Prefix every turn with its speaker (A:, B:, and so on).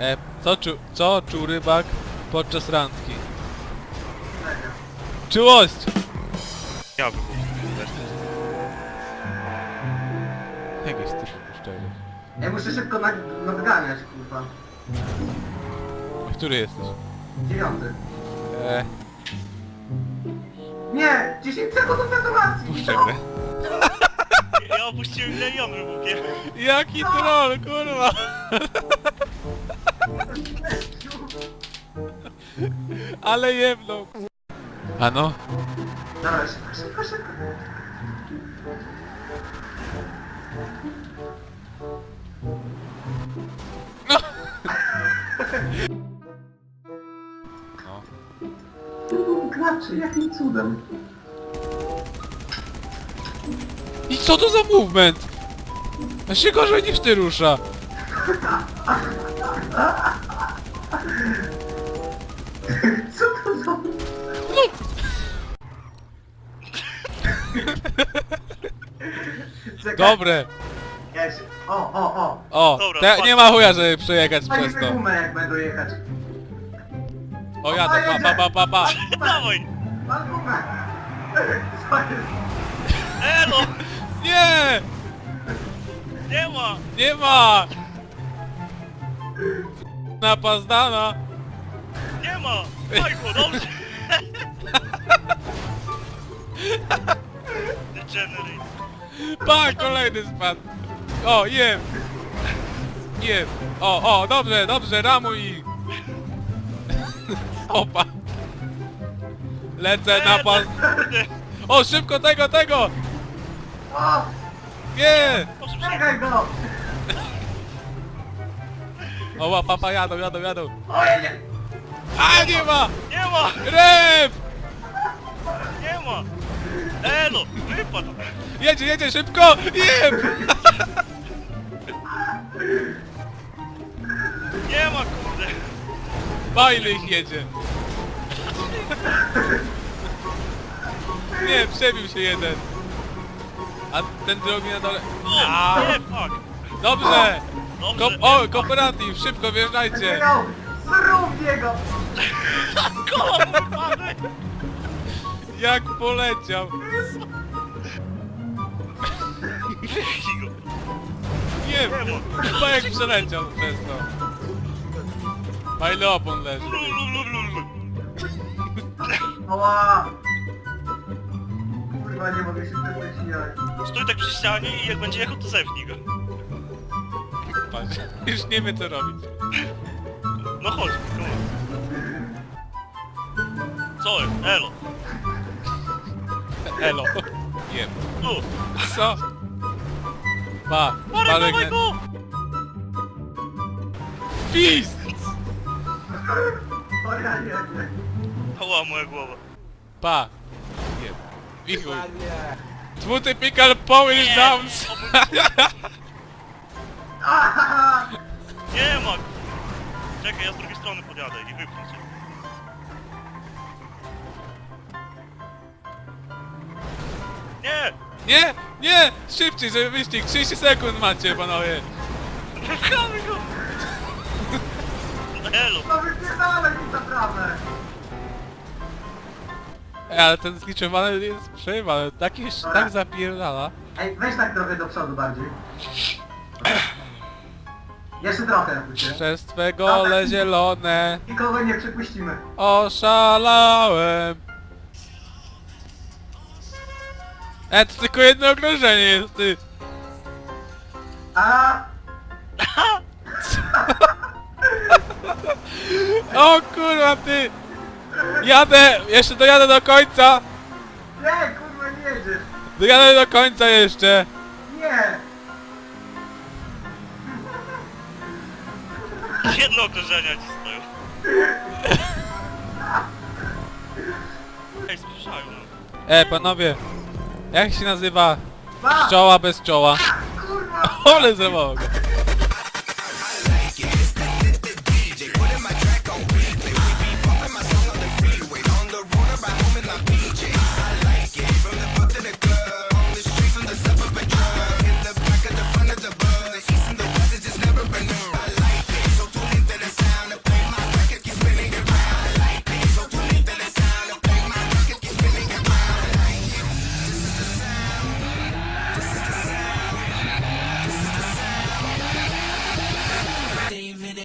A: Co czuł rybak podczas randki? Czułość!
B: Ja bym też.
A: Jakieś ty szczerze.
C: Ja muszę szybko nadganiać, kurwa.
A: Który jesteś?
C: 9.
A: Eee,
C: Nie! 10 sekund do detonacji!
A: puszczę grę.
B: Ja opuściłem milion wybuchiem.
A: Jaki troll, kurwa! Ale jebną. A no?
C: Dobra, szybko.
A: No! No.
C: Graczy, jakim cudem?
A: I co to za movement? A się gorzej niż ty rusza.
C: Co to za... Czekaj,
A: Dobre.
C: ja się... O!
A: O,
B: Dobra,
A: nie ma chuja, żeby przejechać przez
C: Fajnie
A: to.
C: gumę, jak będą jechać.
A: O, jadę, pa.
B: Dawaj!
C: Mam gumę! Co jest?
B: Elo!
A: Nie!
B: Nie ma!
A: Nie ma! Napazdana!
B: Nie ma! Fajko, dobrze! Degenerate.
A: Pa, kolejny spadł! O, jem! Jem! O, dobrze, ramuj ich! Opa! Lecę na pas... O, szybko tego!
C: O!
A: Nie!
B: Proszę
C: Czekaj go!
A: O, papa, jadą.
C: O, nie!
A: A, nie ma!
B: Nie ma!
A: Rep!
B: Nie ma! Elo! Wypadł!
A: Jedzie, szybko! Jem!
B: Nie ma, kurde!
A: Bajny ich jedzie! Nie, przebił się jeden! A ten drugi na dole...
B: O! Nie, fuck!
A: Dobrze!
B: Dobrze!
A: Kooperatyw, szybko wjeżdżajcie!
C: Czekaj! Zrób jego!
B: Koło wypadły!
A: Jak poleciał!
B: Wypchnij go!
A: Nie,
B: Nie ma!
A: chyba jak przeleciał przez to. Fajny opon leży.
C: Oła! Kurwa, nie mogę się tego śmiać.
B: Stój tak przy ścianie i jak będzie jechał, to zepnij go.
A: Patrz, już nie wie co robić.
B: No chodź, come on. Co jest? Elo!
A: Elo. Jem.
B: Tu!
A: Co? Pa,
B: Marek, dawaj
A: palek...
B: go!
A: Pist!
C: O ja nie.
B: Ała, moja głowa.
A: Pa. Jem. Wichuj. Two typical Polish downs.
C: Ahaha!
B: Nie ma! Czekaj, ja z drugiej strony podjadę i wypchnę cię. Nie!
A: Nie! Szybciej, żeby wyścig. 30 sekund macie, panowie.
B: Wypchamy go! Elo!
C: No wypierdalaj mi zaprawę!
A: Ale ten zliczowany jest przejebany. Tak zapierdala.
C: Ej, weź tak trochę do przodu bardziej. Jeszcze trochę, jakbyście.
A: Przez twe gole zielone
C: Nikogo nie przepuścimy.
A: oszalałem. To tylko jedno okrążenie jest, ty.
C: A!
A: O kurwa, ty. Jadę, jeszcze dojadę do końca.
C: Nie, kurwa, nie jedziesz!
A: Dojadę do końca jeszcze.
C: Nie!
B: Jedno okrążenia ci stoją. Ej, słyszają.
A: Panowie. Jak się nazywa
C: Ba!
A: pszczoła bez czoła?
C: Kurwa!
A: Ole zawołał go.